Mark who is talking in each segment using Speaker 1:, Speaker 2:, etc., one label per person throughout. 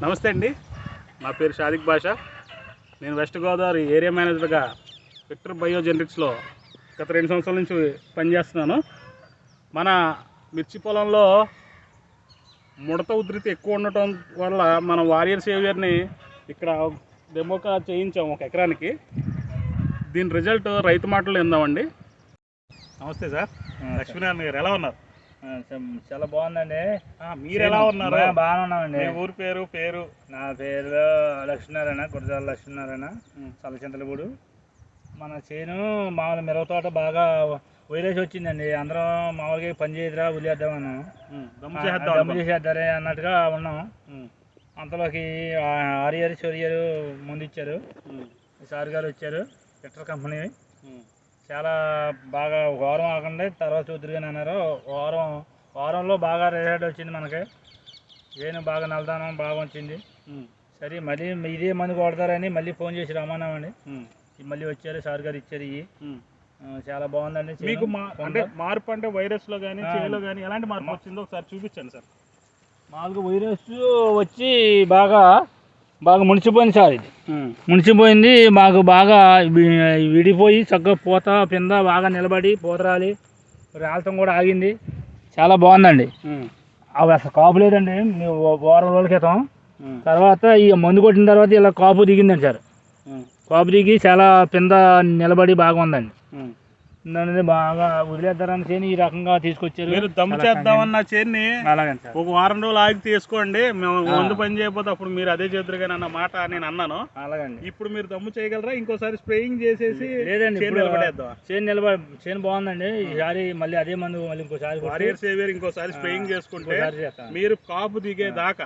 Speaker 1: నమస్తే అండి, నా పేరు షాదిక్ బాషా. నేను వెస్ట్ గోదావరి ఏరియా మేనేజర్గా విక్టర్ బయోజెనరిక్స్లో గత 2 సంవత్సరాల నుంచి పనిచేస్తున్నాను. మన మిర్చి పొలంలో ముడత ఉధృతి ఎక్కువ ఉండటం వల్ల మన వారియర్ సేవియర్ని ఇక్కడ డెమోగా చేయించాం 1 ఎకరానికి. దీని రిజల్ట్ రైతు మాటలు విందామండి. నమస్తే సార్, లక్ష్మీనారాయణ గారు ఎలా ఉన్నారు?
Speaker 2: చాలా బాగుందండి.
Speaker 1: మీరు ఎలా ఉన్నారు?
Speaker 2: బాగానే ఉన్నామండి.
Speaker 1: ఊరి పేరు?
Speaker 2: నా పేరు లక్ష్మీనారాయణ, గురజాల లక్ష్మీనారాయణ, చల్లచింతలపూడు. మన చేను మామూలు మిరప తోట బాగా వైరస్ వచ్చిందండి. అందరం మామూలుగా పని చేయదురా వదిలేద్దామన్నాం, దమ్ము చేసేద్దారే అన్నట్టుగా ఉన్నాం. అంతలోకి ఆరియర్ చొరియరు ముందు ఇచ్చారు, సార్ గారు వచ్చారు, విక్టర్ కంపెనీ. చాలా బాగా వారం ఆగండి తర్వాత చూద్దరుగానే అన్నారు. వారంలో బాగా రిజల్ట్ వచ్చింది. మనకి చేను బాగా నల్లదానం బాగా వచ్చింది. సరే మళ్ళీ ఇదే మందు కొడతారని మళ్ళీ ఫోన్ చేసి రమ్మన్నామండి. మళ్ళీ వచ్చారు, సార్ గారు ఇచ్చారు. ఇవి చాలా బాగుందండి.
Speaker 1: మీకు అంటే మార్పు అంటే వైరస్లో కానీ చేలో కానీ ఎలాంటి మార్పు వచ్చిందో ఒకసారి చూపించండి సార్.
Speaker 2: మామూలుగా వైరస్ వచ్చి బాగా మునిసిపోయింది సార్. ఇది మునిసిపోయింది, మాకు బాగా విడిపోయి చక్కగా పూత పింద బాగా నిలబడి పూత రాలటం కూడా ఆగింది. చాలా బాగుందండి. అవి అసలు కాపు లేదండి. వారం రోజుల క్రితం తర్వాత ఈ మందు కొట్టిన తర్వాత ఇలా కాపు దిగిందండి సార్. కాపు దిగి చాలా పింద నిలబడి బాగా ఉందండి. బాగా వదిలేద్దారని చేని ఈ రకంగా తీసుకొచ్చారు.
Speaker 1: మీరు దమ్ము చేద్దామన్న చేన్ని ఒక వారం రోజులు ఆగి తీసుకోండి, మేము మందు పని చేయకపోతే అప్పుడు మీరు అదే చేద్దరు కానీ అన్న మాట నేను అన్నాను.
Speaker 2: అలాగండి.
Speaker 1: ఇప్పుడు మీరు దమ్ము చేయగలరా? ఇంకోసారి స్ప్రేయింగ్ చేసేసి
Speaker 2: లేదండి చేను బాగుందండి. ఈసారి మళ్ళీ అదే మందు మళ్ళీ ఇంకోసారి
Speaker 1: వారియర్ సేవియర్ ఇంకోసారి స్ప్రేయింగ్ చేసుకుంటే మీరు కాపు దిగేదాకా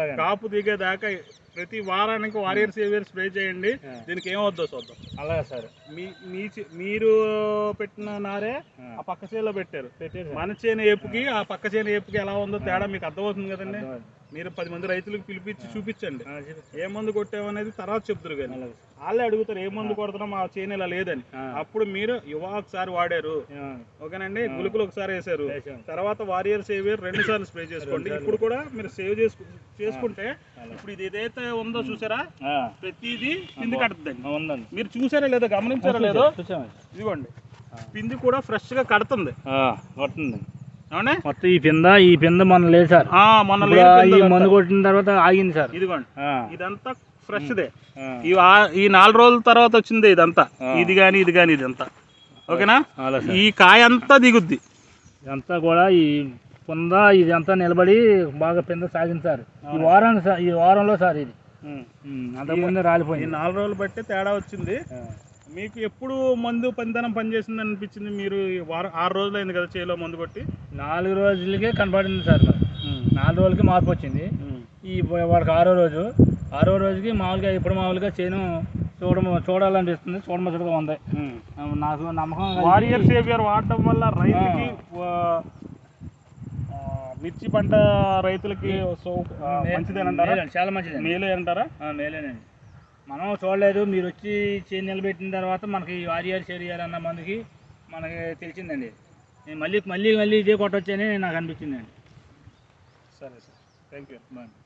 Speaker 1: ప్రతి వారానికి వారియర్ సేవియర్ స్ప్రే చేయండి. దీనికి ఏమవుద్దో చూద్దాం.
Speaker 2: అలాగే సార్.
Speaker 1: మీరు పెట్టిన నారే ఆ పక్క చేలో పెట్టారు. మన చేను ఏపుకి ఆ పక్క చేను ఏపుకి ఎలా ఉందో తేడా మీకు అర్థమవుతుంది కదండి. మీరు 10 మంది రైతులకు పిలిపించి చూపించండి. ఏ మందు కొట్టామనేది తర్వాత చెప్తారు కానీ వాళ్ళే అడుగుతారు ఏ మందు కొడుతున్నాం మా చేను ఇలా లేదని. అప్పుడు మీరు యువా ఒకసారి వాడారు, ఓకేనండి, గుళికలు ఒకసారి వేసారు, తర్వాత వారియర్ సేవియర్ 2 సార్లు స్ప్రే చేసుకోండి. ఇప్పుడు కూడా మీరు సేవ్ చేసుకుంటే ఇప్పుడు ఇది ఏదైతే ఉందో చూసారా, ప్రతిదీ పిండి కడుతుందండి. మీరు చూసారా లేదో, గమనించారా లేదో, ఇదిగోండి పిండి కూడా ఫ్రెష్ గా కడుతుంది.
Speaker 2: మొత్తం ఈ పింద మొన్న లేదు సార్. ఈ మందు కొట్టిన తర్వాత ఆగింది సార్.
Speaker 1: ఇదిగోండి ఇదంతా ఫ్రెష్ దే. ఈ 4 రోజుల తర్వాత వచ్చింది ఇదంతా. ఇది కానీ ఇదంతా ఓకేనా. ఈ కాయ అంతా దిగుద్ది.
Speaker 2: ఇదంతా కూడా ఈ పింద ఇదంతా నిలబడి బాగా పింద సాగింది సార్. ఈ వారంలో సార్ ఇది అంతకుముందే రాలిపోయింది.
Speaker 1: 4 రోజులు బట్టి తేడా వచ్చింది. మీకు ఎప్పుడు మందు పనిచేసింది అనిపించింది? మీరు 6 రోజులు అయింది కదా చేలో మందు కొట్టి.
Speaker 2: 4 రోజులకే కనపడింది సార్. 4 రోజులకి మార్పు వచ్చింది. ఈ వాడికి 6వ రోజుకి మామూలుగా చేను చూడాలనిపిస్తుంది. చూడముచ్చటగా ఉంది. నాకు నమ్మకం.
Speaker 1: వారియర్ సేవియర్ వాడటం వల్ల రైతుకి మిర్చి పంట రైతులకి మంచిదేనంటారా?
Speaker 2: చాలా మంచిది.
Speaker 1: మేలే అంటారా?
Speaker 2: మేలేనండి. మనం చూడలేదు, మీరు వచ్చి చేను నిలబెట్టిన తర్వాత మనకి వారియర్ సేవియర్ అన్న మందుకి మనకి తెలిసిందండి. నేను మళ్ళీ ఇదే కొట్టొచ్చని నాకు అనిపించిందండి.
Speaker 1: సరే సార్, థ్యాంక్ యూ.